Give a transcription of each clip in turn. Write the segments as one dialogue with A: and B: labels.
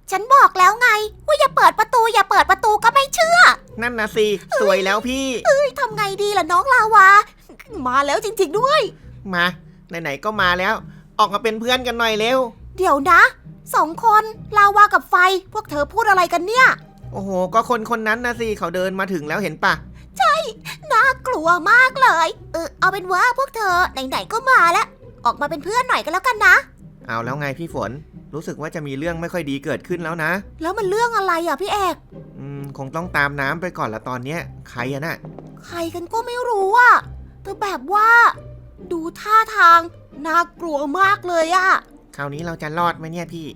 A: ฉันบอกแล้วไงว่าอย่าเปิดประตูอย่าเปิดประตูก็ไม่เชื่อ
B: นั่นนะสิสวยแล้วพี่
A: ทำไงดีล่ะน้องลาวามาแล้วจริงๆด้วย
B: มาไหนๆก็มาแล้วออกมาเป็นเพื่อนกันหน่อยเร็ว
A: เดี๋ยวนะ2 คนลาวากับไฟพวกเธอพูดอะไรกันเนี่ย
B: โอ้โหก็คนนั้นนะสิเขาเดินมาถึงแล้วเห็นปะ
A: ใช่น่ากลัวมากเลยเอาเป็นว่าพวกเธอไหนๆก็มาแล้วออกมาเป็นเพื่อนหน่อยกันแล้วกันนะ
B: เอาแล้วไงพี่ฝนรู้สึกว่าจะมีเรื่องไม่ค่อยดีเกิดขึ้นแล้วนะ
A: แล้วมันเรื่องอะไรอ่ะพี่เอก
B: คงต้องตามน้ำไปก่อนละตอนเนี้ยใครอะน่ะ
A: ใครกันก็ไม่รู้อ่ะแต่แบบว่าดูท่าทางน่ากลัวมากเลยอ่ะ
B: คราวนี้เราจะรอดไหมเนี่ยพี่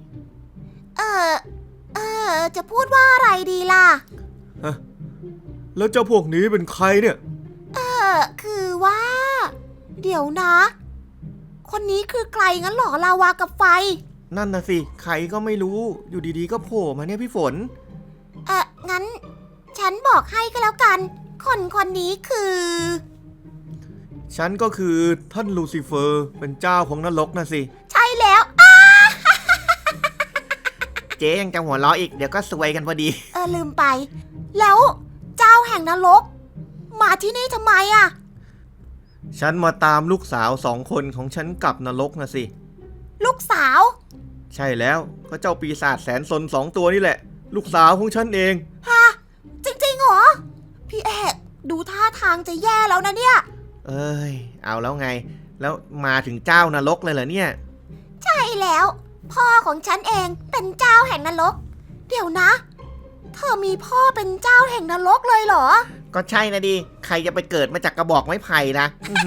A: จะพูดว่าอะไรดีล่ะ
B: แล้วเจ้าพวกนี้เป็นใครเนี่ย
A: คือว่าเดี๋ยวนะคนนี้คือใครงั้นหรอลาวากับไฟ
B: นั่นนะสิใครก็ไม่รู้อยู่ดีๆก็โผล่มาเนี่ยพี่ฝน
A: งั้นฉันบอกให้ก็แล้วกันคนนี้คือ
B: ฉันก็คือท่านลูซิเฟอร์เป็นเจ้าของนรกนะสิ
A: ใช่แล้ว
B: เจ๊ยังจะหัวเราะอีกเดี๋ยวก็ซวยกันพอดี
A: ลืมไปแล้วเจ้าแห่งนรกมาที่นี่ทำไมอะ
B: ฉันมาตามลูกสาว2 คนของฉันกลับนรกนะสิ
A: ลูกสาว
B: ใช่แล้วก็เจ้าปีศาจแสนซน2 ตัวนี่แหละลูกสาวของฉันเอง
A: ฮะจริงๆเหรอพี่เอกดูท่าทางจะแย่แล้วนะเนี่ย
B: เอาแล้วไงแล้วมาถึงเจ้านรกเลยเหรอเนี่ย
A: ใช่แล้วพ่อของฉันเองเป็นเจ้าแห่งนรกเดี๋ยวนะเธอมีพ่อเป็นเจ้าแห่งนรกเลยเหรอ
B: ก็ใช่นะดิใครจะไปเกิดมาจากกระบอกไม้ไผ่นะ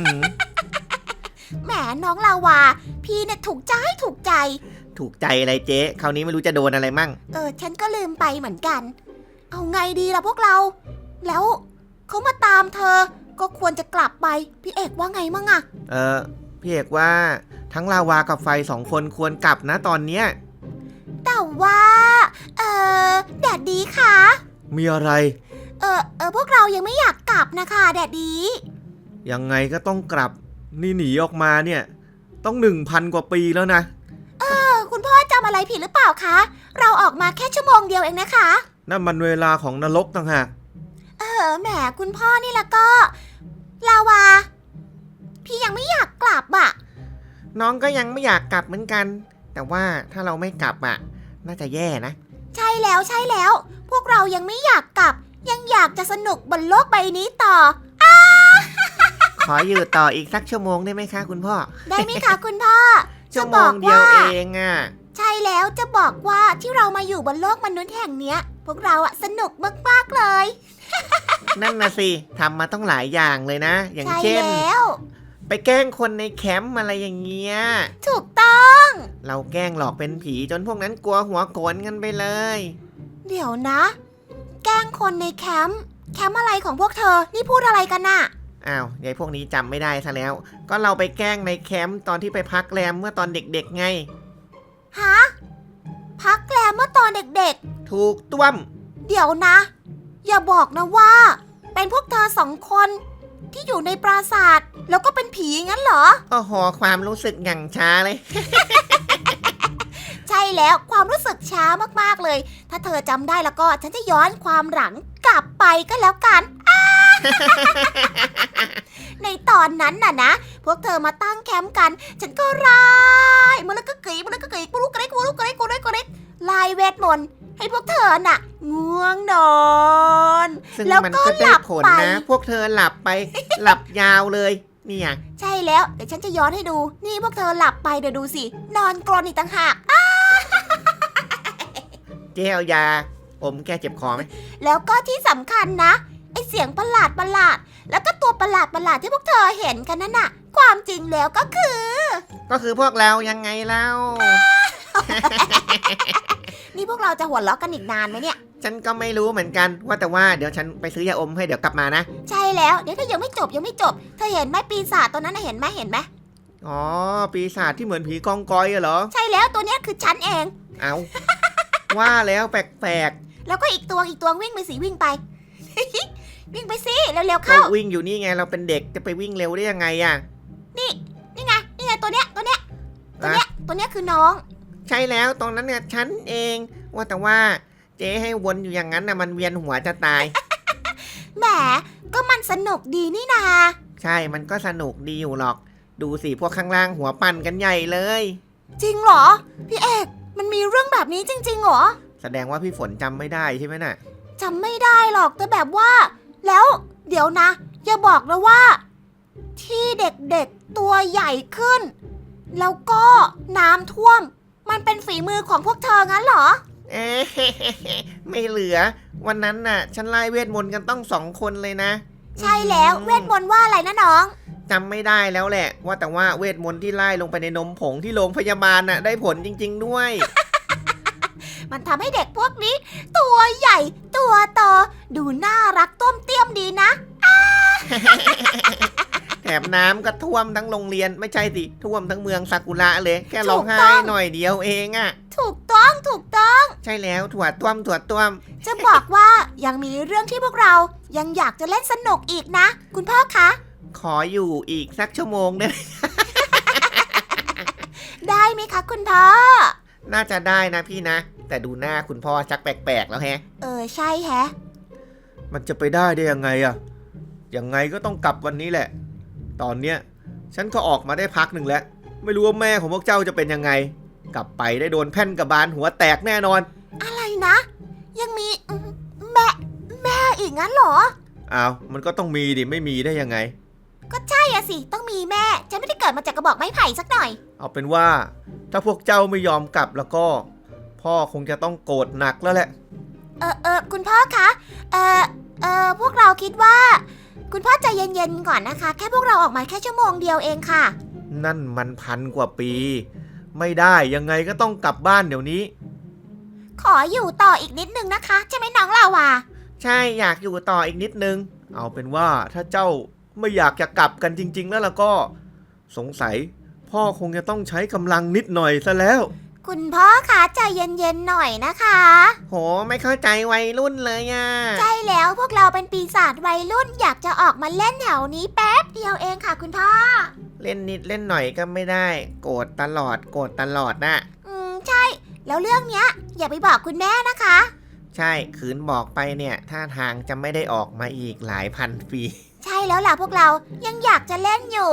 A: แหมน้องลาวาพี่เนี่ยถูกใจ
B: อะไรเจ๊คราวนี้ไม่รู้จะโดนอะไรมั่ง
A: ฉันก็ลืมไปเหมือนกันเอาไงดีล่ะพวกเราแล้วเขามาตามเธอก็ควรจะกลับไปพี่เอกว่าไงมั่งอะ
B: พี่เอกว่าทั้งลาวากับไฟ2 คนควรกลับนะตอนเนี้ย
A: แต่ว่าแดดดีค่ะ
B: มีอะไร
A: พวกเรายังไม่อยากกลับนะคะแดดดี
B: ยังไงก็ต้องกลับนี่หนีออกมาเนี่ยต้อง 1,000 กว่าปีแล้วนะ
A: คุณพ่อจำอะไรผิดหรือเปล่าคะเราออกมาแค่ชั่วโมงเดียวเองนะคะ
B: นั่นมันเวลาของนรกต่างหาก
A: แหมคุณพ่อนี่ละก็ลาวาพี่ยังไม่อยากกลับอ่ะ
B: น้องก็ยังไม่อยากกลับเหมือนกันแต่ว่าถ้าเราไม่กลับอ่ะน่าจะแย่นะ
A: ใช่แล้วพวกเรายังไม่อยากกลับยังอยากจะสนุกบนโลกใบนี้ต่อ
B: ขออยู่ต่ออีกสักชั่วโมงได้ไหมคะคุณพ่อ
A: ได้ไหมคะคุณพ่อ
B: ชั่วโมงเดียวเองอ่ะ
A: ใช่แล้วจะบอกว่าที่เรามาอยู่บนโลกมนุษย์แห่งเนี้ยพวกเราอะสนุกมากๆเลย
B: นั่นนะสิทำมาต้องหลายอย่างเลยนะอย่างเช่นไปแกล้งคนในแคมป์อะไรอย่างเงี้ย
A: ถูกต้อง
B: เราแกล้งหลอกเป็นผีจนพวกนั้นกลัวหัวโกรนกันไปเลย
A: เดี๋ยวนะแกล้งคนในแคมป์อะไรของพวกเธอนี่พูดอะไรกันน่ะ
B: อ้าวยายพวกนี้จำไม่ได้ซะแล้วก็เราไปแกล้งในแคมป์ตอนที่ไปพักแรมเมื่อตอนเด็กๆไง
A: ฮะพักแรมเมื่อตอนเด็ก
B: ๆถูกต้วม
A: เดี๋ยวนะอย่าบอกนะว่าเป็นพวกเธอ2 คนที่อยู่ในปราสาทแล้วก็เป็นผีงั้นเหรอ
B: โอ้โหความรู้สึกอย่างช้าเลย
A: ใช่แล้วความรู้สึกช้ามากๆเลยถ้าเธอจำได้แล้วก็ฉันจะย้อนความหลังกลับไปก็แล้วกัน ในตอนนั้นน่ะนะพวกเธอมาตั้งแคมป์กันฉันก็ร้ายมันก็กรี๊ดกูรู้กริ๊กลายเวทมนต์ให้พวกเธอน่ะง่วงนอน
B: แล้วก็หลับไปนะพวกเธอหลับไป หลับยาวเลยนี่ไง
A: ใช่แล้วเดี๋ยวฉันจะย้อนให้ดูนี่พวกเธอหลับไปเดี๋ยวดูสินอนกรนอีกต่างหาก
B: เจ๊เอายาอมแก้เจ็บคอไหม
A: แล้วก็ที่สำคัญนะไอเสียงประหลาดแล้วก็ตัวประหลาดที่พวกเธอเห็นกันนั่นน่ะความจริงแล้วก็คือ
B: พวกเรายังไงเล่า
A: นี่พวกเราจะหัวเราะกันอีกนานไหมเนี่ย
B: ฉันก็ไม่รู้เหมือนกันว่าแต่ว่าเดี๋ยวฉันไปซื้อยาอมให้เดี๋ยวกลับมานะ
A: ใช่แล้วเดี๋ยวถ้ายังไม่จบเธอเห็นไหมปีศาจตัวนั้นเห็นไหม
B: อ๋อปีศาจที่เหมือนผีกองกอยเหรอ
A: ใช่แล้วตัวนี้คือฉันเอง
B: เอาว่าแล้วแปลก
A: แล้วก็อีกตัววิ่งไปสิวิ่งไป วิ่งไปสิเร็วๆเข้า
B: วิ่งอยู่นี่ไงเราเป็นเด็กจะไปวิ่งเร็วได้ยังไงอ่ะ
A: นี่ไงตัวเนี้ยคือน้อง
B: ใช่แล้วตรงนั้นเนี่ยฉันเองว่าแต่ว่าเจ๊ให้วนอยู่อย่างนั้นนะมันเวียนหัวจะตาย
A: แหมก็มันสนุกดีนี่นา
B: ใช่มันก็สนุกดีอยู่หรอกดูสิพวกข้างล่างหัวปั่นกันใหญ่เลย
A: จริงเหรอพี่เอกมันมีเรื่องแบบนี้จริงๆเหรอ
B: แสดงว่าพี่ฝนจำไม่ได้ใช่ไหมน่ะ
A: จำไม่ได้หรอกแต่แบบว่า แล้วเดี๋ยวนะอย่าบอกนะว่า ที่เด็กๆตัวใหญ่ขึ้น แล้วก็น้ำท่วม มันเป็นฝีมือของพวกเธองั้นเหรอ
B: เอ๊ะ ไม่เหลือวันนั้นน่ะ ฉันไล่เวทมนต์กันต้อง2 คนเลยนะ
A: ใช่แล้วเวทมนต์ว่าอะไรนะน้อง
B: จำไม่ได้แล้วแหละ ว่าแต่ว่าเวทมนต์ที่ไล่ลงไปในนมผงที่โรงพยาบาลน่ะได้ผลจริง ๆด้วย
A: มันทำให้เด็กพวกนี้ ตัวใหญ่ตัวโตดูน่ารักต้มเตี้ยมดีนะ
B: แถมน้ำก็ท่วมทั้งโรงเรียนไม่ใช่สิท่วมทั้งเมืองซากุระเลยแค่ร้องไห้
A: ถูกต้อง
B: หน่อยเดียวเองอะ
A: ถูกต้องถูกต้อง
B: ใช่แล้วถั่วต้วม
A: จะบอกว่ายังมีเรื่องที่พวกเรายังอยากจะเล่นสนุกอีกนะ คุณพ่อคะ
B: ขออยู่อีกสักชั่วโมงได้ไหม
A: ได้ไหมคะคุณพ่อ
B: น่าจะได้นะพี่นะ แต่ดูหน้าคุณพ่อชักแปลกๆแล้วแฮะ
A: ใช่แฮะ
B: มันจะไปได้ยังไงอะยังไงก็ต้องกลับวันนี้แหละ ตอนเนี้ยฉันก็ออกมาได้พักหนึ่งแล้วไม่รู้ว่าแม่ของพวกเจ้าจะเป็นยังไง กลับไปได้โดนแผ่นกระบาลหัวแตกแน่นอน
A: อะไรนะ ยังมีแม่อีกงั้นเหรอ
B: อ้าวมันก็ต้องมีดิไม่มีได้ยังไง
A: ก็ใช่อะสิต้องมีแม่ฉันไม่ได้เกิดมาจากกระบอกไม้ไผ่สักหน่อย
B: เอาเป็นว่าถ้าพวกเจ้าไม่ยอมกลับแล้วก็ พ่อคงจะต้องโกรธหนักแล้วแหละ
A: คุณพ่อคะพวกเราคิดว่า คุณพ่อใจเย็นๆก่อนนะคะ แค่พวกเราออกมาแค่ชั่วโมงเดียวเองค่ะ
B: นั่นมัน1,000 กว่าปี ไม่ได้ยังไงก็ต้องกลับบ้านเดี๋ยวนี้
A: ขออยู่ต่ออีกนิดนึงนะคะใช่ไหมน้องลาวา
B: ใช่อยากอยู่ต่ออีกนิดนึง เอาเป็นว่าถ้าเจ้าไม่อยากจะกลับกันจริงๆแล้วก็ สงสัยพ่อคงจะต้องใช้กำลังนิดหน่อยซะแล้ว
A: คุณพ่อคะใจเย็นๆหน่อยนะคะ
B: โหไม่เข้าใจวัยรุ่นเลยอ่ะ
A: ใช่แล้วพวกเราเป็นปีศาจวัยรุ่นอยากจะออกมาเล่นแถวนี้แป๊บเดียวเองค่ะคุณพ่อ
B: เล่นนิดเล่นหน่อยก็ไม่ได้ โกรธตลอดนะ
A: ใช่แล้วเรื่องเนี้ยอย่าไปบอกคุณแม่นะคะ
B: ใช่ขืนบอกไปเนี่ยท่าทางจะไม่ได้ออกมาอีกหลายพันปี
A: ใช่แล้วล่ะพวกเรายังอยากจะเล่นอยู่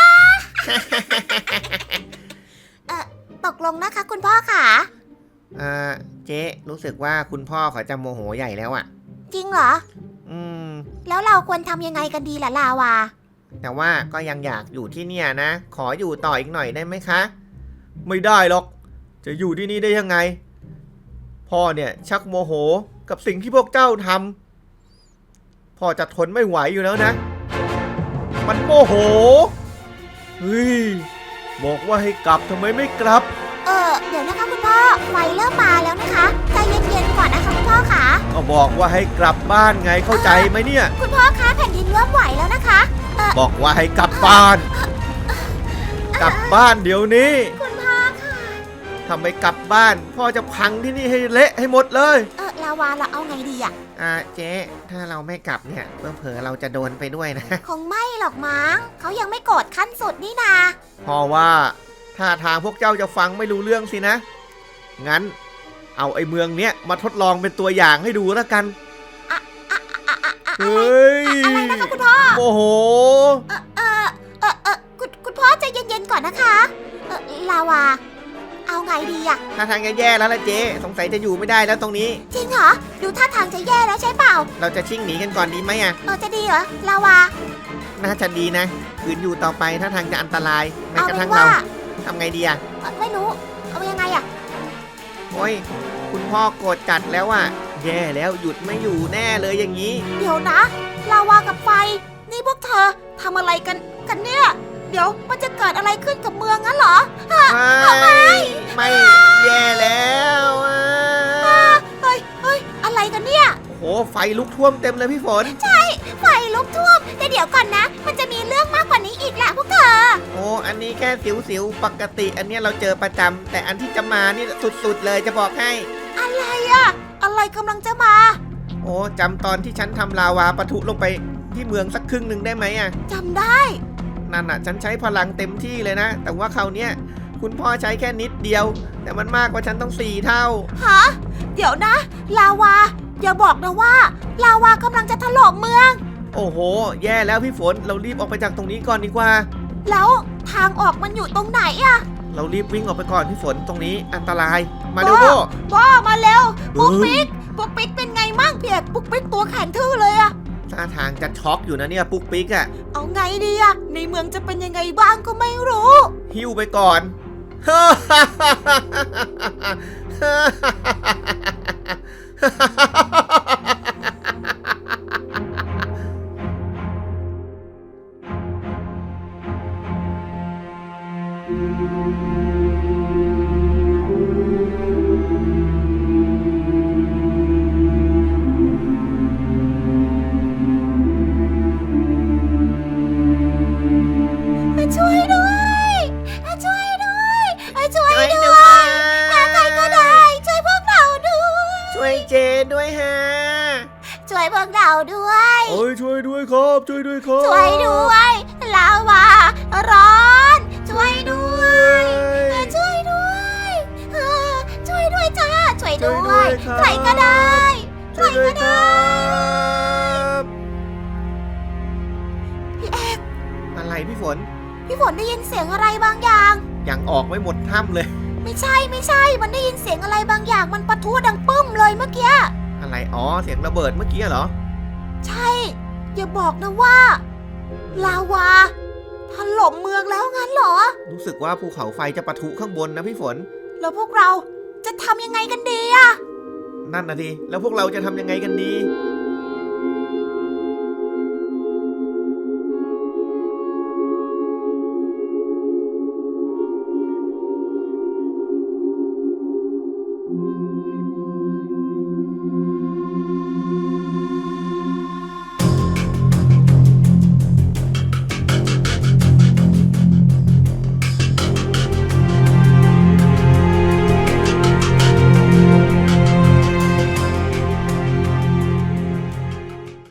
A: ตกลงนะคะคุณพ่อค่ะ
B: เจ๊รู้สึกว่าคุณพ่อเขาจะโมโหใหญ่แล้วอ่ะ
A: จริงเหรอ แล้วเราควรทำยังไงกันดีล่ะลาวา
B: แต่ว่าก็ยังอยากอยู่ที่เนี่ยนะ ขออยู่ต่ออีกหน่อยได้ไหมคะ ไม่ได้หรอก จะอยู่ที่นี่ได้ยังไง พ่อเนี่ยชักโมโหกับสิ่งที่พวกเจ้าทำพ่อจะทนไม่ไหวอยู่แล้วนะ มันโมโห เฮ้ย บอกว่าให้กลับทำไมไม่กลับ
A: เดี๋ยวนะคะคุณพ่อไฟเริ่มมาแล้วนะคะใจเย็นๆก่อนนะคะคุณพ่อค่ะ
B: ก็บอกว่าให้กลับบ้านไงเข้าใจไหมเนี่ย
A: คุณพ่อคะแผ่นดินเริ่มไหวแล้วนะคะ
B: บอกว่าให้กลับบ้าน กลับบ้านเดี๋ยวนี้
A: คุณพ่อค่ะ
B: ทำไมกลับบ้านพ่อจะพังที่นี่ให้เละให้หมดเลย
A: ลาวาเราเอาไงดีอะ
B: เจ๊ถ้าเราไม่กลับเนี่ยเผลอๆเราจะโดนไปด้วยนะ
A: คงไม่หรอกมั้งเขายังไม่โกรธขั้นสุดนี่นา
B: เพราะว่าถ้าทางพวกเจ้าจะฟังไม่รู้เรื่องสินะ งั้นเอาไอ้เมืองเนี้ยมาทดลองเป็นตัวอย่างให้ดูแล้วกัน เฮ้ย
A: อะไรนะคะคุณพ่อ
B: โมโห
A: คุณพ่อใจเย็นๆก่อนนะคะลาวา เอาไงดีอะ
B: ถ้าทางจะแย่แล้วล่ะเจ๊สงสัยจะอยู่ไม่ได้แล้วตรงนี้
A: จริงเหรอดูท่าทางจะแย่แล้วใช่เปล่า
B: เราจะชิ่งหนีกันก่อนดีไหมอะ
A: จะดีเหรอลาวา
B: น่าจะดีนะขืนอยู่ต่อไปถ้าทางจะอันตรายแม้
A: เอา
B: กระ
A: เป็
B: ทั่
A: น
B: ง
A: ว่า
B: เราทำไงดีอะ
A: ไม่รู้เอายังไงอะ
B: โอ้ยคุณพ่อโกรธจัดแล้วอะแย่แล้วหยุดไม่อยู่แน่เลยอย่างนี้
A: เดี๋ยวนะลาวากับไฟ นี่พวกเธอทำอะไรกันเนี่ย เดี๋ยวมันจะเกิดอะไรขึ้นกับเมืองงั้นเหรอ
B: ไม่แย่แล้วอะ
A: เฮ้ยอะไรกันเนี่ย
B: โอ้โหไฟลุกท่วมเต็มเลยพี่ฝน
A: ไฟลุกท่วมแต่เดี๋ยวก่อนนะ มันจะมีเรื่องมากกว่านี้อีกแหละพวกเธอ
B: โอ้อันนี้แค่สิวๆปกติ อันเนี้ยเราเจอประจำแต่อันที่จะมานี่สุดๆเลยจะบอกให้
A: อะไรอะอะไรกำลังจะมา
B: โอ้จำตอนที่ฉันทำลาวาปะทุลงไปที่เมืองสักครึ่งหนึ่งได้ไหมอะ
A: จำได้
B: นั่นน่ะฉันใช้พลังเต็มที่เลยนะ แต่ว่าคราวเนี้ยคุณพ่อใช้แค่นิดเดียว แต่มันมากกว่าฉันต้อง4 เท่า
A: ฮะเดี๋ยวนะ ลาวาอย่าบอกนะว่า ลาวากำลังจะถล่มเมือง
B: โอ้โห แย่แล้วพี่ฝน เรารีบออกไปจากตรงนี้ก่อนดีกว่า
A: แล้วทางออกมันอยู่ตรงไหนอะ
B: เรารีบวิ่งออกไปก่อนพี่ฝนตรงนี้อันตราย มาเร็วโบ
A: พ่อมาเร็วปุ๊กปิ๊กเป็นไงมั่งเพียกปุ๊กปิ๊กตัวแข็งทื่อเลยอะ
B: ท่าทางจะช็อกอยู่นะเนี่ยปุ๊กปิ๊กอะ
A: เอาไงดีอะในเมืองจะเป็นยังไงบ้างก็ไม่รู้
B: หิ้วไปก่อน
A: ช่วยด้วยช่วยด้วยช่วย
B: ช่วย
A: ด้
B: ด้
A: ว
B: วย ย
A: ใครก็ได้ช่วยพวกเราด้วย
B: ช่วยเจด้วยฮะ
A: ช่วยพวกเราด้วย
B: โอ้ยช่วยด้วยครับช่วยด้วยครับ
A: ช่วยด้วยลาวาร้อนช่วยด้วยช่วยด้วยช่วยด้วยจ้าช่วยด้วยใครก็ได้ใคร
B: ช่วยด้ว
A: ก็
B: ยค
A: ได้
B: รับ
A: พี่เอก
B: อะไรพี่ฝน
A: พี่ฝนได้ยินเสียงอะไรบางอย่าง
B: ยังออกไม่หมดถ้ำเลย
A: ไม่ใช่มันได้ยินเสียงอะไรบางอย่างมันปะทุดังปึ้มเลยเมื่อกี้
B: อะไร อ๋อ เสียงระเบิดเมื่อกี้เหรอ
A: ใช่อย่าบอกนะว่า ลาวาถล่มเมืองแล้วงั้นเหรอ
B: รู้สึกว่าภูเขาไฟจะปะทุข้างบนนะพี่ฝน
A: แล้วพวกเราจะทำยังไงกันดีอะ
B: นั่นนะดิแล้วพวกเราจะทำยังไงกันดี